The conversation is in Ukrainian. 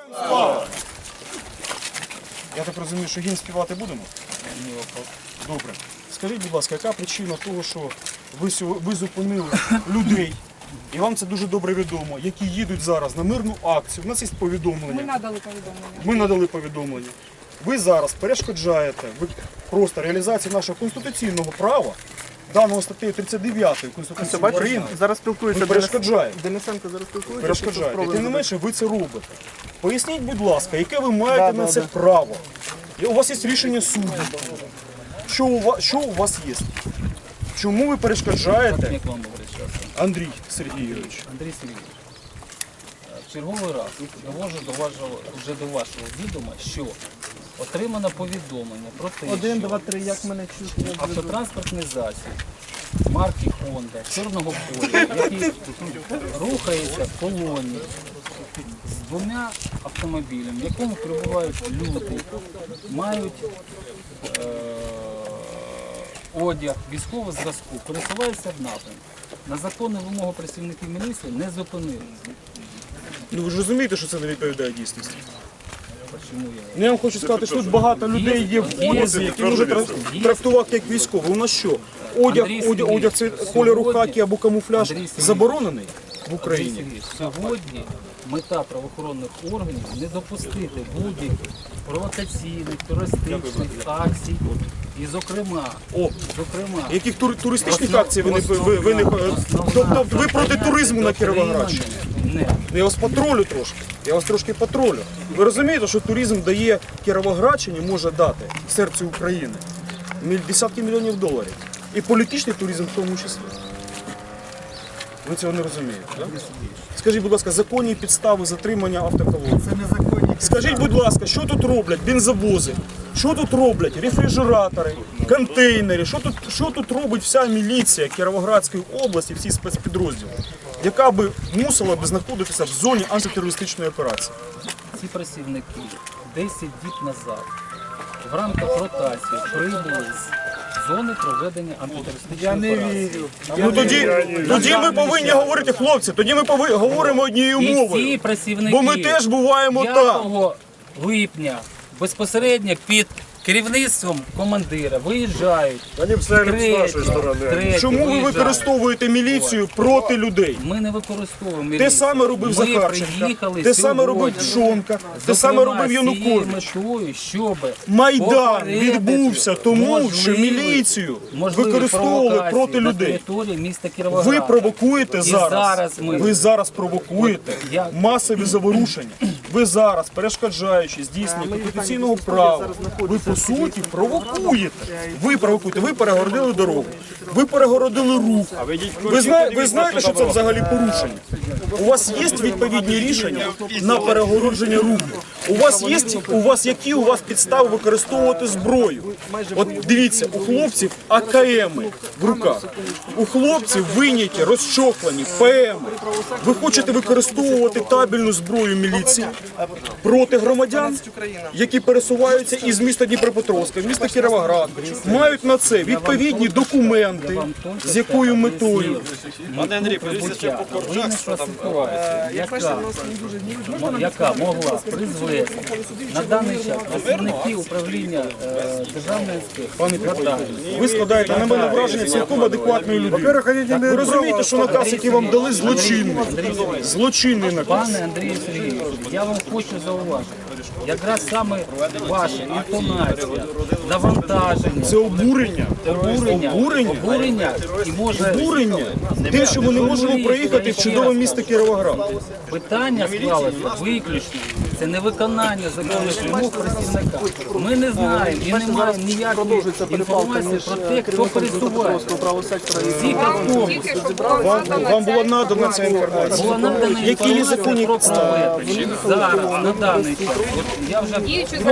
Я так розумію, що гімн співати будемо? Ні, вопрос. Добре. Скажіть, будь ласка, яка причина того, що ви зупинили людей, і вам це дуже добре відомо, які їдуть зараз на мирну акцію? У нас є повідомлення. Ми надали повідомлення. Ми надали повідомлення. Ви зараз перешкоджаєте просто реалізації нашого конституційного права, даного статтею 39 Конституції України. Зараз спілкується Ви перешкоджаєте. Денисенко, зараз спілкується. Перешкоджаєте. І тим не менше ви це робите. Поясніть, будь ласка, яке ви маєте на це право? І у вас є рішення суду. Що у вас є? Чому ви перешкоджаєте? Як вам говорить зараз? Андрій Сергійович. Андрій Сергійович, в черговий раз довожу вже до вашого відома, що отримано повідомлення про те, 1, що 2, 3, як мене чути? автотранспортний засіб марки Honda чорного кольору, який рухається в колоні з двома автомобілями, в якому перебувають люди, мають одяг військового зразку, пересуваються в напрямку. На законну вимогу працівників міліції не зупинили. Ну ви ж розумієте, що це не відповідає дійсності? Чому я? Ну, я вам хочу сказати, що тут багато людей є в одязі, які можуть трактувати як військові. У нас що? Одяг це кольору хакі або камуфляж заборонений в Україні? Андрій Сергійович, сьогодні мета правоохоронних органів не допустити будь-яких провокаційних, терористичних акцій. І зокрема, Яких туристичних акцій ви не... Тобто ви проти туризму на Кіровоградщині? Не. Я вас патрулю трошки, я вас трошки патрулю. Ви розумієте, що туризм дає Кіровоградщині, може дати серцю України десятки мільйонів доларів. І політичний туризм в тому числі. Ви цього не розумієте, так? Скажіть, будь ласка, законні підстави затримання автоколони? Це незаконні. Скажіть, будь ласка, що тут роблять бензовози? Що тут роблять рефрижератори, контейнери? Що тут робить вся міліція Кіровоградської області, всі спецпідрозділи, яка би мусила б знаходитися в зоні антитерористичної операції? Ці працівники 10 діб назад в рамках ротації прибули з зони проведення антитерористичної операції. Ну тоді ми повинні говорити, хлопці, тоді ми говоримо однією І ці мовою. працівники Бо ми теж буваємо 5 там. липня безпосередньо під керівництвом командира виїжджають. Вони все з нашої сторони. Чому ви використовуєте міліцію проти людей? Ми не використовуємо Те саме робив Захарченко, те саме робив Пшонка, те саме робив Янукович. Щоб Майдан відбувся тому, що міліцію використовували проти людей. Ви провокуєте зараз, ви зараз провокуєте масові заворушення. Ви зараз, перешкоджаючи здійснення конституційного права, ви по суті провокуєте. Ви перегородили дорогу, ви перегородили рух. Ви знаєте, що це взагалі порушення? У вас є відповідні рішення на перегородження руху? Які у вас підстави використовувати зброю? От дивіться, у хлопців АКМи в руках, у хлопців вийняті, розчохлені ПМи. Ви хочете використовувати табельну зброю міліції проти громадян, які пересуваються із міста Дніпропетровська, з міста Кіровоград, мають на це відповідні документи, з якою метою. Пане Андрій, подивіться по коржах, що там яка могла призвести на даний час працівники управління державної інспекції. Ви складаєте на мене враження цілком адекватної людини. Ви розумієте, що наказ, який вам дали, злочинний. Злочинний наказ. Пане Андрію Сергійовичу, я вам хочу зауважити, якраз саме ваша інтонація, навантаження, Це обурення. обурення і може Тим, що ми не можемо проїхати в чудове місто Кіровоград. питання склалося виключно. Це не виконання законних вимог працівника. Ми не знаємо і не маємо ніякої інформації про те, хто пересувається. Всіх автобусів Вам була надана ця інформація. була надана Які є законні інформація про підстави? проведення. Зараз, на даний час, от я вже